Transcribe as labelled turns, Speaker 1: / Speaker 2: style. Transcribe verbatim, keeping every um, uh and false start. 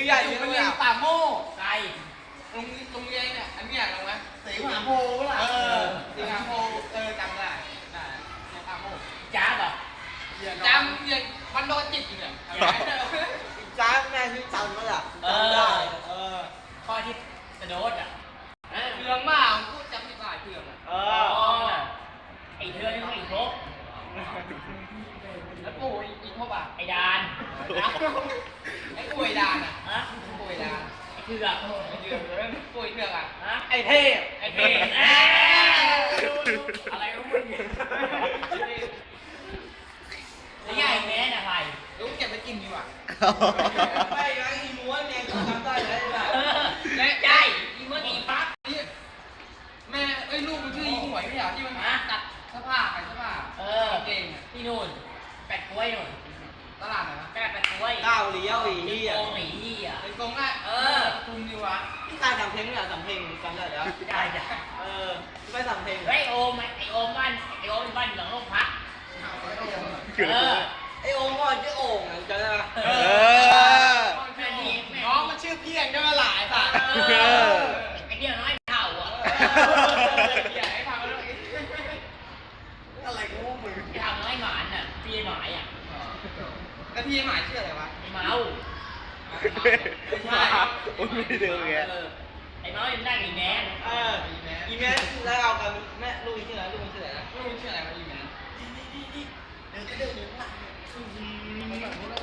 Speaker 1: ใหญ่
Speaker 2: อยู่
Speaker 1: เย
Speaker 2: เป็น
Speaker 1: อะ
Speaker 2: เรียน
Speaker 1: อะ
Speaker 2: ป่าโม่
Speaker 3: ไกล
Speaker 2: โรงโรงเรียนเนี่ยอันนี้อยากลงไหม
Speaker 1: สีมหาโพธิ์ล่ะ
Speaker 2: เออสิงคโปร์เออจำได้ได้เรียนป่าโม่
Speaker 3: จ้าบอ่ะ
Speaker 2: จำเรียนวันโดนจิตอยู่เนี่ย
Speaker 1: จ้าแม่ที่จำก็ล่ะ
Speaker 3: เอ
Speaker 1: จำ
Speaker 3: อ
Speaker 1: ได้เออ
Speaker 3: ข้อที่กระโดดอ่ะ
Speaker 2: เทืองมากพูดจำผิดหลายเทืองอ่ะ
Speaker 1: เอ
Speaker 3: อ๋
Speaker 1: อ
Speaker 3: อไอ้เธอนี่ต้องอีกครบ
Speaker 2: แล้วปู่อีกเขาป่ะ
Speaker 3: ไอ้ดาน
Speaker 2: ไอ้ป่วยดานอ่ะ
Speaker 3: ฮะ
Speaker 2: ป่วยดาน
Speaker 3: ไอ้เถือก
Speaker 2: ไอ้เทืองแล้วป่วยเทืองอ่ะ
Speaker 3: ฮะ
Speaker 1: ไอ้เทพ
Speaker 3: ไอ้เท่อะไรก็มึงเนี่ยแล้วไงแม่น่ะใคร
Speaker 2: ลูกเก็บไปกินดีกว่า
Speaker 1: ไม่ไงอีม้วนเนี่ยจำได้เลย
Speaker 3: เออและใช่อีเมื่อกี้ปั๊บ
Speaker 2: แม่เอ้ยลูกมันชื่ออีหวยไม่เหรอที่มันตัดเสื้อผ้าขายเสื้อผ้า
Speaker 3: เออ
Speaker 2: เก่งอ่ะ
Speaker 3: ที่นู่นแปดกล้วยนู่น
Speaker 2: ตลาดไหนวะ
Speaker 3: แปดแปดกล้วย
Speaker 1: ก้าวเลี้ยวอี
Speaker 3: ที่
Speaker 1: เหี้ย
Speaker 3: โกงหนีที่อ่ะ
Speaker 2: เป็นกงได้เออทุมดีวะ
Speaker 1: พี่ตายทำเพลงไม่อยากทำเพลงจำได้แล้ว
Speaker 3: ได้จ้ะ
Speaker 1: เออไม่ทำเพลง
Speaker 3: ไอ้โอมไอ้โอมบ้านไอ้โอมบ้านหลังโรงพักเออ
Speaker 1: ไอโอ่งก่อนชื่อโอ่งอ่ะจำได้ปะ
Speaker 2: เอ
Speaker 1: อ
Speaker 3: แม่นี่แม่
Speaker 2: น้องมันชื่อเพียงได้มาหลายสัตว์
Speaker 3: เออไอ้เดียวน้อยเท่าอ่ะ
Speaker 2: อย่าให้ฟังแล้ว
Speaker 1: อะไรกูมึง
Speaker 3: ไอ้เท่าน้อยหมานอ่ะพี่หมายอ่ะ
Speaker 2: แล้วพี่หมายชื่ออะไรวะ
Speaker 3: ไอ้เมา
Speaker 2: ไม่ใช่
Speaker 4: โอ้ยไม่ได้เดินไง
Speaker 3: เออไอ้เมายังได้อีแมน
Speaker 1: เอออีแม่แล้วเอากันแม่ลูกอีชื่ออะไรลูกอีชื่ออะไรนะ
Speaker 2: ไม่รู้ชื่ออะไรวะอีแมน
Speaker 1: เดินก็เดินอยู่ข้างหลัง
Speaker 2: มันแบบ